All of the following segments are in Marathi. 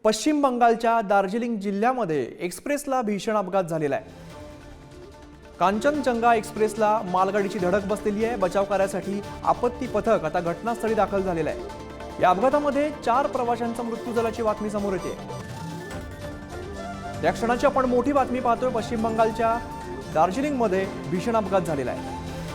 पश्चिम बंगालच्या दार्जिलिंग जिल्ह्यामध्ये एक्सप्रेसला भीषण अपघात झालेला आहे। कांचनजंगा एक्सप्रेसला मालगाडीची धडक बसलेली आहे। बचाव कार्यासाठी आपत्ती पथक आता घटनास्थळी दाखल झालेलं आहे। या अपघातामध्ये 4 प्रवाशांचा मृत्यू झाल्याची बातमी समोर येते। या क्षणाची आपण मोठी बातमी पाहतोय। पश्चिम बंगालच्या दार्जिलिंग मध्ये भीषण अपघात झालेला आहे।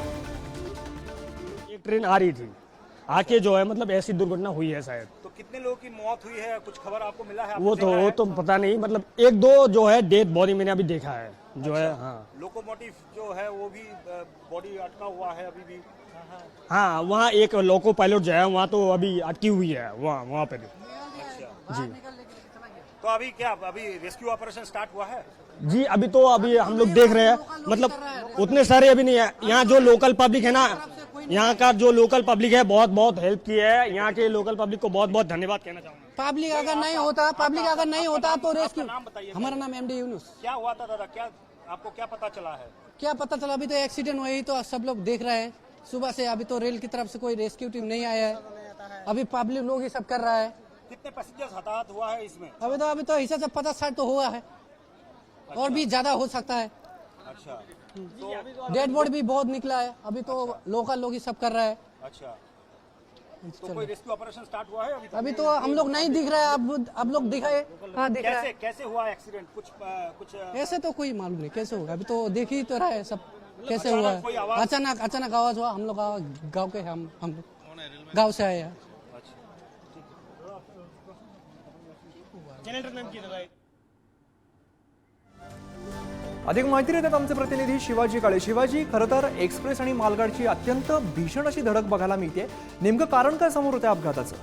एक ट्रेन आ रही थी, आके जो है मतलब ऐसी दुर्घटना हुई है शायद। तो कितने लोगों की मौत हुई है, कुछ खबर आपको मिला है? वो तो पता नहीं, मतलब 1-2 जो है डेड बॉडी मैंने अभी देखा है जो है। हाँ, लोकोमोटिव जो है वो भी बॉडी अटका हुआ है अभी भी। हाँ वहाँ एक लोको पायलट जो है वहाँ तो अभी अटकी हुई है वहाँ पे भी। अच्छा जी तो अभी रेस्क्यू ऑपरेशन स्टार्ट हुआ है? जी अभी हम लोग देख रहे हैं, मतलब उतने सारे अभी नहीं है। यहाँ जो लोकल पब्लिक है ना, यहाँ का जो लोकल पब्लिक है बहुत बहुत हेल्प की है। यहाँ के लोकल पब्लिक को बहुत बहुत धन्यवाद कहना चाहूँगा। पब्लिक अगर नहीं होता तो रेस्क्यू। हमारा नाम एमडी यूनुस। क्या हुआ था दादा, क्या आपको क्या पता चला है? क्या पता चला, अभी तो एक्सीडेंट हुई तो सब लोग देख रहे हैं सुबह से। अभी तो रेल की तरफ से कोई रेस्क्यू टीम नहीं आया है, अभी पब्लिक लोग ही सब कर रहा है। कितने पैसेंजर्स हताहत हुआ है इसमें? अभी तो हिसाब से 50-60 तो हुआ है, और भी ज्यादा हो सकता है। अच्छा डेड बॉडी भी बहुत निकला है, अभी तो लोकल लोग ही सब कर रहा है। अच्छा तो कोई रेस्क्यू ऑपरेशन स्टार्ट हुआ है अभी तक? अभी तो हम लोग नहीं दिख रहा है, अब लोग दिखाए। हाँ दिख रहा है। कैसे हुआ एक्सीडेंट? कुछ ऐसे तो कोई मालूम नहीं कैसे होगा, अभी तो देख ही तो रहा है सब कैसे हुआ कोई है। आवाज? अचानक आवाज हुआ। हम लोग गाँव के हम गाँव से आए हैं। अधिक माहिती देतात आमचे प्रतिनिधी शिवाजी काळे। शिवाजी, खरं तर एक्सप्रेस आणि मालगाडीची अत्यंत भीषण अशी धडक बघायला मिळते। नेमकं कारण काय समोर होतं अपघाताचं?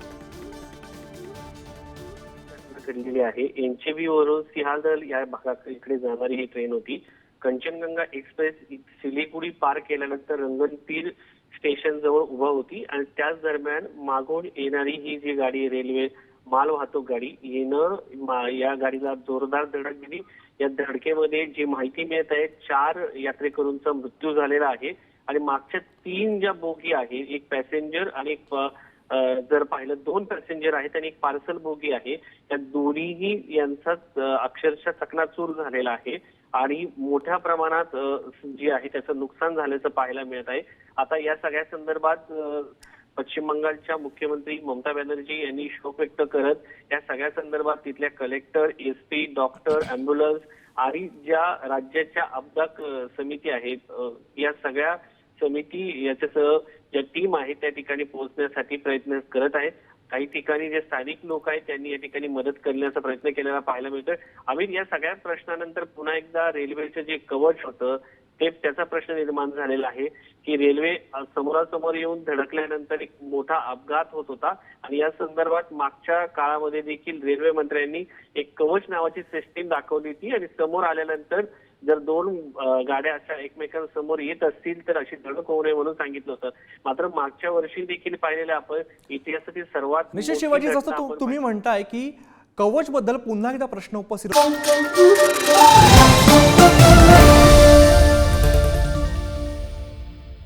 घडलेली आहे। एनचेबी वरून सिंहादल या भागाकडे जाणारी ही ट्रेन होती। कंचनजंगा एक्सप्रेस सिलीगुडी पार केल्यानंतर रंगनतीर स्टेशन जवळ उभा होती आणि त्याच दरम्यान मागून येणारी ही जी गाडी, रेल्वे माल वाहतूक गाडी, हिनं या गाडीला जोरदार धडक दिली। या धडकेमध्ये जी माहिती मिळत आहे 4 यात्रेकरूंचा मृत्यू झालेला आहे आणि मागच्या 3 ज्या बोगी आहे, एक पॅसेंजर आणि एक जर पाहिलं 2 पॅसेंजर आहेत आणि एक पार्सल बोगी आहे, त्या दोन्हीही यांचा अक्षरशः चकनाचूर झालेला आहे आणि मोठ्या प्रमाणात जे आहे त्याचं नुकसान झाल्याचं पाहायला मिळत आहे। आता या सगळ्या संदर्भात पश्चिम बंगालच्या मुख्यमंत्री ममता बॅनर्जी यांनी शोक व्यक्त करत या सगळ्या संदर्भात तिथल्या कलेक्टर, एसपी, डॉक्टर, अँब्युलन्स आणि ज्या राज्याच्या अपघात समिती आहेत या सगळ्या समिती याच्यासह ज्या टीम आहे त्या ठिकाणी पोहोचण्यासाठी प्रयत्न करत आहेत। काही ठिकाणी जे स्थानिक लोक आहेत त्यांनी या ठिकाणी मदत करण्याचा प्रयत्न केलेला पाहायला मिळतोय। अमित, या सगळ्या प्रश्नानंतर पुन्हा एकदा रेल्वेचं जे कवच होतं ते त्याचा प्रश्न निर्माण झालेला आहे की रेल्वे समोरासमोर येऊन धडकल्यानंतर एक मोठा अपघात होत होता आणि या संदर्भात मागच्या काळामध्ये देखील रेल्वे मंत्र्यांनी एक कवच नावाची सिस्टीम दाखवली होती आणि समोर आल्यानंतर जर 2 गाड्या अशा एकमेकांसमोर येत असतील तर अशी धडक होऊ नये म्हणून सांगितलं होतं। मात्र मागच्या वर्षी देखील पाहिलेलं आपण इतिहासातील सर्वात निश्चित शिवाजी, जसं तुम्ही म्हणताय की कवच बद्दल पुन्हा एकदा प्रश्न उपस्थित